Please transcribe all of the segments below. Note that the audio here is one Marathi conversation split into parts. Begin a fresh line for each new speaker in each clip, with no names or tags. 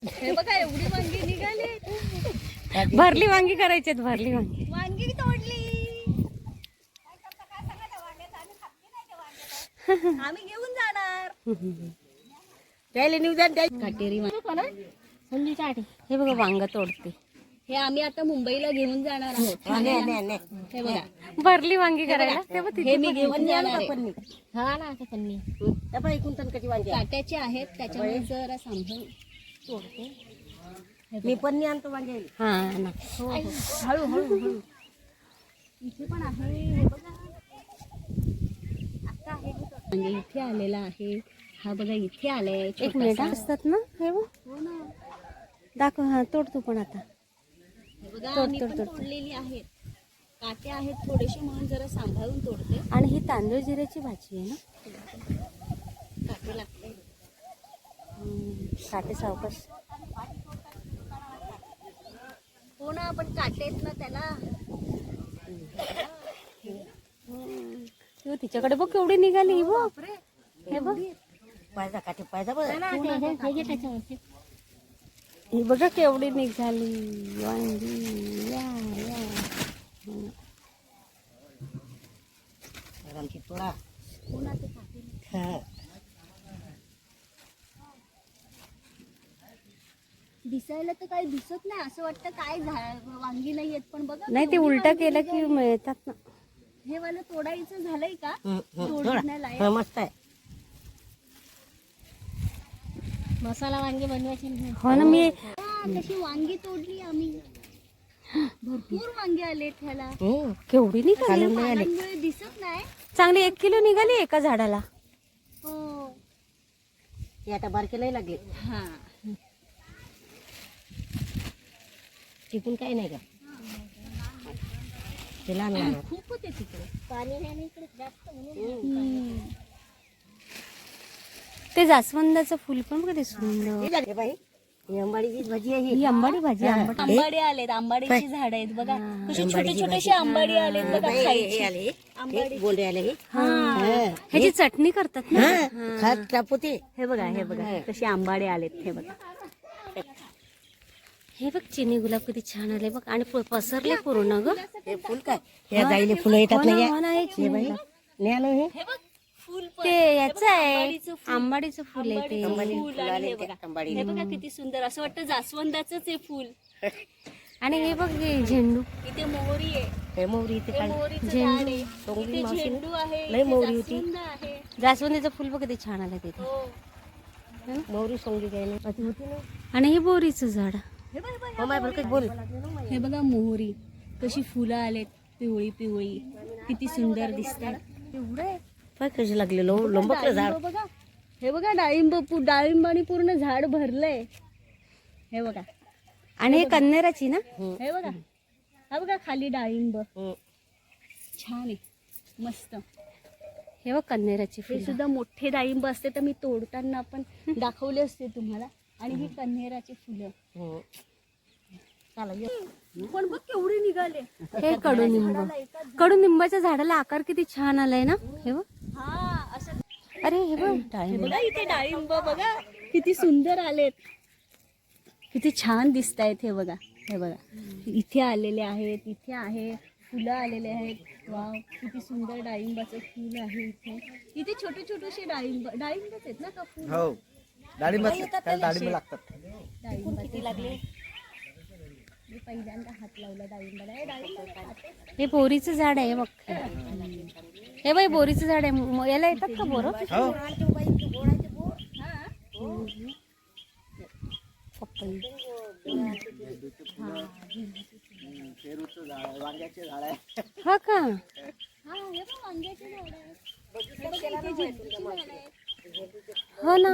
हे बघा एवढी वांगी निघाली.
भरली वांगी करायची आहेत, भरली वांगी.
वांगी तोडली. आम्ही घेऊन जाणार.
त्याला निवेदन द्यायचं.
काटेरी
हे बघा वांग तोडते.
हे आम्ही आता मुंबईला घेऊन जाणार आहोत. हे बघा
भरली वांगी करायला
हे मी घेऊन जाणार आहे.
हा ना आता पन्नी त्या एकूण कशी वांगी
काट्याचे आहेत त्याच्यामुळे जरा सांभाळून तोडते.
मी पन्नी आणतो वांगे.
हा ना.
हळू हळू हळू. इथे पण आहे. हे बघा आता आहे म्हणजे इथे आलेला आहे. हा बघा इथे आलाय.
एक मिनिट असतात ना हे बघ.
हो ना.
दाखव. हा तोड तू पण आता.
हे बघा आम्ही पण तोडलेली आहेत. काटे आहेत थोडेसे म्हणून जरा सांभाळून तोडते.
आणि ही तांदूळ जिऱ्याची भाजी आहे ना.
काटे लागते.
काटे सावकाश.
हो ना पण काटे आहेत ना त्याला.
तिच्याकडे बघ केवढी निघाली ही बघ. हे बघ
पायदा काटे पायदा बघ.
ही बघा केवढी निघाली वांगी. या या
आमची तोडा.
हो ना ते काटे दिसायला तर काही दिसत नाही. असं वाटतं काय वांगी नाही येत पण बघा.
नाही ते उलटा केलं की मिळतात ना.
हे वाला तोडायचं झालंय का.
थोडा मस्त आहे.
मसाला वांगी बनवायची.
हो ना. मी
तशी वांगी तोडली आम्ही. भरपूर वांगे आले त्याला.
केवढी निघाली.
पानांमुळे दिसत नाही.
चांगली 1 किलो निघाली एका झाडाला.
हो
हे आता बारके नाही लागले.
हा
टिकून काही नाही का ते लहान लहान
खूप होते तिकडे. पाणी नाही इकडे जास्त
ते जास्वंदाचं फुल पण बघा ते सुंदर.
हे बाई ही अंबाडीची भाजी आहे.
ही आंबाडी भाजी.
आंबाडी आलेत. आंबाडीची झाड आहेत बघा. कशी छोटे छोटेसे आंबाडी आलेत बघा.
हे आले आंबाडी बोंडे आले.
ह्याची चटणी करतात ना.
खात कापूते.
हे बघा हे बघा कसे आंबाडे आलेत. हे बघा
हे बघ चिनी गुलाब किती छान आले बघ. आणि पसरले पूर्ण ग.
हे फुल काय या जाईले फुलं येतात ना.
हो ना, हे
हे बाई न्यानो हे
हे बघ फुल
ते याच आहे आंबाडीचं फुल आहे ते.
फुल आले. हे बघा हे बघा किती सुंदर. असं वाटतं जास्वंदाचंच आहे फुल.
आणि हे बघ हे झेंडू.
इथे मोहरी आहे.
हे मोहरी इथे काय
मोहरीचं झाड आहे.
टोंगली
इथे
मावशी
झेंडू आहे.
लय
इथे
मोहरी होती.
जास्वंद आहे.
जास्वंदीचं फुल बघ किती छान आलं तिथे.
हो
मोहरी सोंगली काय नाही अशी होती ना.
आणि हे बोरीचं झाड.
हे बघ, हे बघ,
हो माय बरकत बोल.
हे बघा मोहरी कशी फुलं आलेत. पिवळी पिवळी किती सुंदर दिसतात. एवढं
काय कशी लागलेलो लोंबकलं झाड.
बघा हे बघा डाळिंबानी पूर्ण झाड भरलंय. हे बघा
आणि हे कन्नेराची ना.
हे बघा हा बघा खाली डाळिंब छान आहे मस्त.
हे बघ कन्नेराची
हे
फुल.
सुद्धा मोठे डाळिंब असते तर मी तोडताना पण दाखवले असते तुम्हाला. आणि ही कन्हेराची फुलं. पण बघ केवढे निघाले.
हे कडुनिंब. कडुनिंबाच्या झाडाला आकार किती छान आलाय ना. हे बघ.
हा असं.
अरे हे बघ
हे
डाळिंब.
बघा इथे डाळिंब बघा किती सुंदर आलेत. किती छान दिसत आहेत. हे बघा हे बघा इथे आलेले आहेत. इथे आहे फुलं आलेले आहेत. वाव किती सुंदर डाळिंबाचं फुल आहे. इथे छोटे छोटेसे डाळिंबच आहेत ना का फुल.
हो डाळिंब लागतात.
डाळिंब किती लागले. मी पहिल्यांदा हात लावला डाळिंबाला.
हे बोरीचं झाड आहे बघ. हे बाई बोरीचं झाड आहे. याला येतात का बोर.
वांग्याचे झाड आहे.
हा का.
हे पण वांग्याचे झाड आहेत.
हो ना.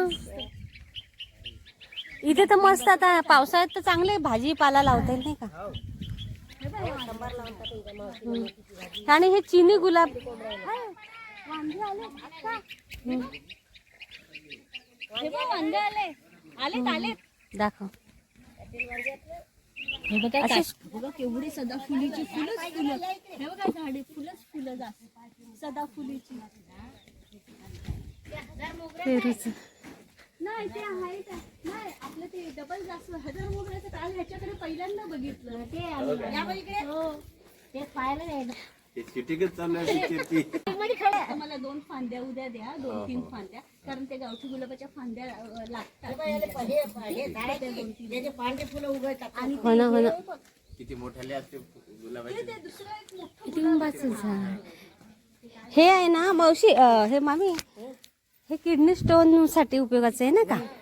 इथे तर मस्त आता पावसाळ्यात तर चांगले भाजीपाला लावता येईल नाही का. आणि हे चिनी गुलाब.
वांगे आले हे बघ वांगे आलेत.
दाखव.
हे बघा बघा केवढी सदाफुलीची फुलंच फुलं. हे बघा झाडे फुलंच फुलं जास्त सदाफुलीची.
पेरूचं.
नाही ते आहे का नाही आपलं ते डबल जास्त हजार मोगऱ्याचं काल ह्याच्याकडे पहिल्यांदा बघितलं ते हो
ते पाहायला नाही ना.
ते चिटिकच चालू आहे चिट्टी.
आता मला 2 फांद्या उद्या द्या 2-3 फांद्या कारण ते गावठी गुलाबाच्या फांद्या लागतात
हे झाड आहे की, त्याचे पांढरे फुलं उगवतात.
आणि
हो ना हो ना
किती मोठ्याले असते गुलाबाचे.
ते दुसरं एक मोठं
लिंबाचं झाड हे आहे ना मावशी हे मामी हे किडनी स्टोन साठी उपयोगाचं आहे ना का